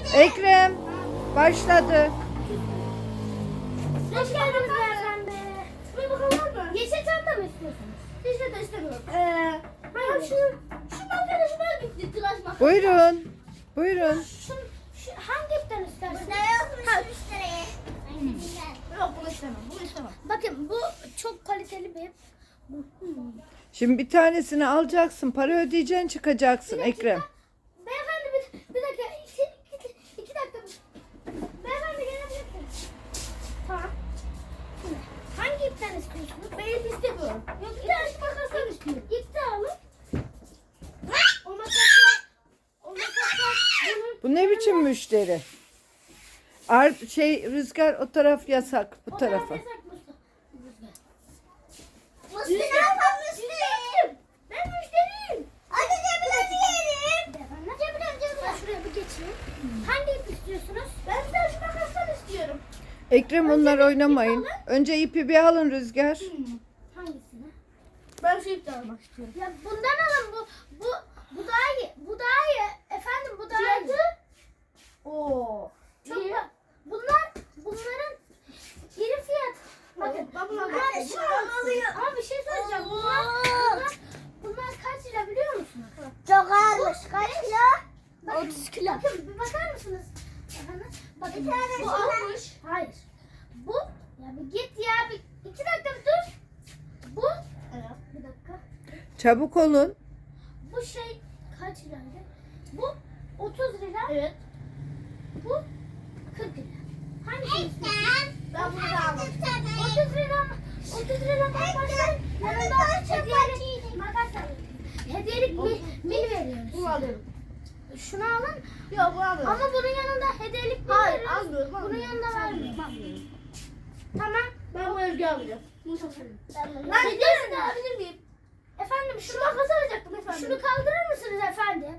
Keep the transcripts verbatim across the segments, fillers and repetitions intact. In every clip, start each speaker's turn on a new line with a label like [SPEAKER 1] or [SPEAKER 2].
[SPEAKER 1] Ekrem başladı.
[SPEAKER 2] Hoş geldiniz beyefendi. Bir bakalım mı? Yeşil çanta mı istiyorsunuz? Yeşil de istemiyorum. Ee, ben şu, şu arkadaşıma gitti tıraş makinesi.
[SPEAKER 1] Buyurun. Buyurun.
[SPEAKER 2] Şu, şu, hangi ipten istersiniz?
[SPEAKER 3] Burada yokmuş müşteriye.
[SPEAKER 2] Yok bunu istemem, bunu istemem. Bakın bu çok kaliteli bir ip. Bu, hmm.
[SPEAKER 1] Şimdi bir tanesini alacaksın. Para ödeyeceksin, çıkacaksın
[SPEAKER 2] Bir dakika.
[SPEAKER 1] Ekrem.
[SPEAKER 2] Beyefendi bir, bir dakika. İki, iki, iki dakika. Beyefendi gelebilir misiniz? Tamam. Şimdi hangi ipten istiyorsunuz? Ben ip istemiyorum. Yok bir tane makasdan istiyorum. İp de alın. O makasla o makasla bunun
[SPEAKER 1] Bu ne biçim müşteri? Ar şey Rüzgar o taraf yasak, bu
[SPEAKER 2] o
[SPEAKER 1] tarafa.
[SPEAKER 2] taraf yasak Mustafa.
[SPEAKER 3] Musti ne yapan Musti?
[SPEAKER 2] Ben müşteriyim.
[SPEAKER 3] Hadi cebine yiyelim.
[SPEAKER 2] Beyefendi. Cebine cebine. Ben şuraya bir geçeyim. Hangi ip istiyorsunuz? Ben bir tane şu makasdan istiyorum.
[SPEAKER 1] Ekrem onlar oynamayın. Önce ipi bir alın Rüzgar.
[SPEAKER 2] Hangisini? Ben şu ipten almak istiyorum. Ya bundan alın bu bu bu daha iyi. Bu daha iyi. Efendim bu daha iyi. Oo. Çok ba- bunlar bunların iri fiyat. Bakın bunlar
[SPEAKER 3] Anne, şu an alıyor.
[SPEAKER 2] Ama bir şey söyleyeceğim. Bunlar, bunlar, bunlar kaç lira biliyor musunuz?
[SPEAKER 3] Çok ağırmış. Kaç kilo?
[SPEAKER 2] Bakın, otuz kilo. Bakın bir bakar mısınız? Efendim? Bakın
[SPEAKER 3] Bir tane
[SPEAKER 2] bu
[SPEAKER 3] şuna.
[SPEAKER 2] almış. Hayır. Bu ya bir git ya bir iki dakika bir dur. Bu bir dakika.
[SPEAKER 1] Çabuk olun.
[SPEAKER 2] Bu şey kaç liraydı? Bu otuz lira. Evet. Bu kırk lira. Hangisini istiyorsun? Ben bunu da almak istiyorum. otuz lira mı? otuz lira mı? Başlayın. Yanında hediyelik makas alıyorum. Hediyelik bir mil veriyoruz.
[SPEAKER 3] Bunu alıyorum.
[SPEAKER 2] Şunu alın.
[SPEAKER 3] Yok bunu alıyorum.
[SPEAKER 2] Ama bunun yanında hediyelik mil
[SPEAKER 3] Hayır,
[SPEAKER 2] veriyoruz.
[SPEAKER 3] almıyorum,
[SPEAKER 2] Bunun
[SPEAKER 3] almıyorum.
[SPEAKER 2] yanında vermiyorum. Tamam.
[SPEAKER 3] Ben bu Özgü alacağım. Bunu çok seviyorum.
[SPEAKER 2] Ben hediyelik de alabilir miyim? Efendim şunu makas alacaktım efendim. Şunu kaldırır mısınız efendim?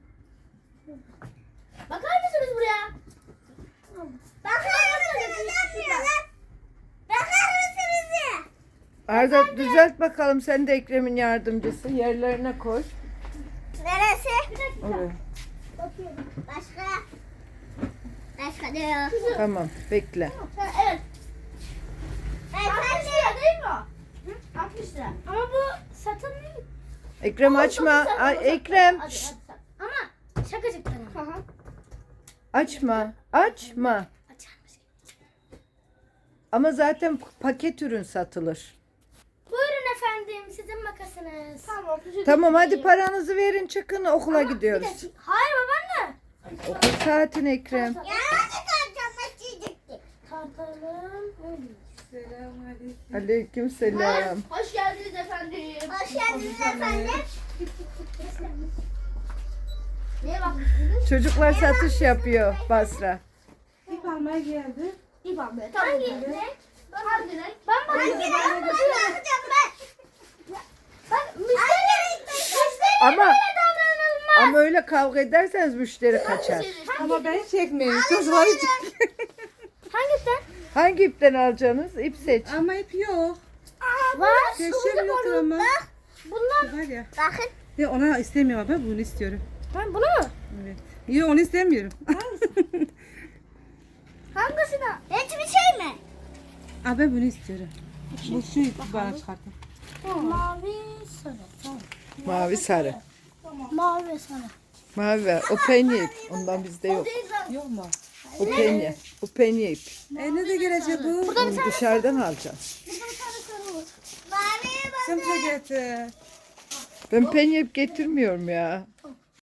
[SPEAKER 2] Bakar mısınız buraya?
[SPEAKER 3] Bakar mısınız? Ne yapıyorlar? Bakar mısınız ya?
[SPEAKER 1] Arda düzelt bakalım, sen de Ekrem'in yardımcısı. Yerlerine koy.
[SPEAKER 3] Neresi?
[SPEAKER 1] Oraya.
[SPEAKER 2] Bakıyorum.
[SPEAKER 3] Başka? Başka diyor.
[SPEAKER 1] Tamam, bekle.
[SPEAKER 2] Ha, evet. altmış lira değil mi o? Hı? altmış lira. Ama bu satın değil.
[SPEAKER 1] Ekrem açma. Ay, Ekrem.
[SPEAKER 2] Hadi,
[SPEAKER 1] şşt,
[SPEAKER 2] hadi, hadi. Ama şakacıktan ama.
[SPEAKER 1] açma. Açma.
[SPEAKER 2] Açarmış.
[SPEAKER 1] Ama zaten paket ürün satılır.
[SPEAKER 2] Buyurun efendim sizin makasınız. Tamam.
[SPEAKER 1] Tamam hadi paranızı verin, çıkın, okula
[SPEAKER 2] Bir
[SPEAKER 1] gidiyoruz.
[SPEAKER 2] dakika. Hayır babaanne.
[SPEAKER 1] Okul saatin Ekrem.
[SPEAKER 3] Ya hadi kalacağım. Başlayacaktık.
[SPEAKER 2] Tartalım.
[SPEAKER 1] Aleyküm selam.
[SPEAKER 2] Hoş geldiniz efendim.
[SPEAKER 3] Hoş geldiniz efendim.
[SPEAKER 2] Neye bakmışsınız?
[SPEAKER 1] Çocuklar satış yapıyor Basra.
[SPEAKER 4] İp almaya geldi.
[SPEAKER 2] İp almaya. Hangi renk? Hangi renk? Ben
[SPEAKER 3] Hangi
[SPEAKER 2] bakıyorum.
[SPEAKER 3] renk? Bunu bakacağım ben.
[SPEAKER 2] Bak müşteri. Müşteri
[SPEAKER 1] Ama
[SPEAKER 2] böyle davranılmaz.
[SPEAKER 1] ama öyle kavga ederseniz müşteri kaçar.
[SPEAKER 4] Ama ben çekmiyorum. Çocukları çek.
[SPEAKER 2] Hangisinden?
[SPEAKER 1] Hangi ipten alacaksınız? İp seç.
[SPEAKER 4] Ama ip yok.
[SPEAKER 2] Var.
[SPEAKER 4] Keşke yoktur ama.
[SPEAKER 2] Bunlar.
[SPEAKER 4] Var ya.
[SPEAKER 3] Bakın.
[SPEAKER 4] Ya ona istemiyorum, ben bunu istiyorum.
[SPEAKER 2] Ben bunu mu?
[SPEAKER 4] Evet. Yok onu istemiyorum.
[SPEAKER 2] Hangisine?
[SPEAKER 3] Hiçbir şey mi?
[SPEAKER 4] Aa, ben bunu istiyorum. Bu şu ipi bana çıkartın.
[SPEAKER 2] Mavi sarı. Tamam.
[SPEAKER 1] Mavi sarı.
[SPEAKER 2] Mavi sarı.
[SPEAKER 1] Mavi ver. O penye ip. Ondan bizde yok.
[SPEAKER 4] Yok mu?
[SPEAKER 1] O penye. O penye ip.
[SPEAKER 4] E ne de gelecek bu?
[SPEAKER 1] Onu dışarıdan alacağım.
[SPEAKER 2] Burada bir tane sarı var.
[SPEAKER 3] Mavi bak.
[SPEAKER 4] Sen bize getir.
[SPEAKER 1] Ben penye ip getirmiyorum ya.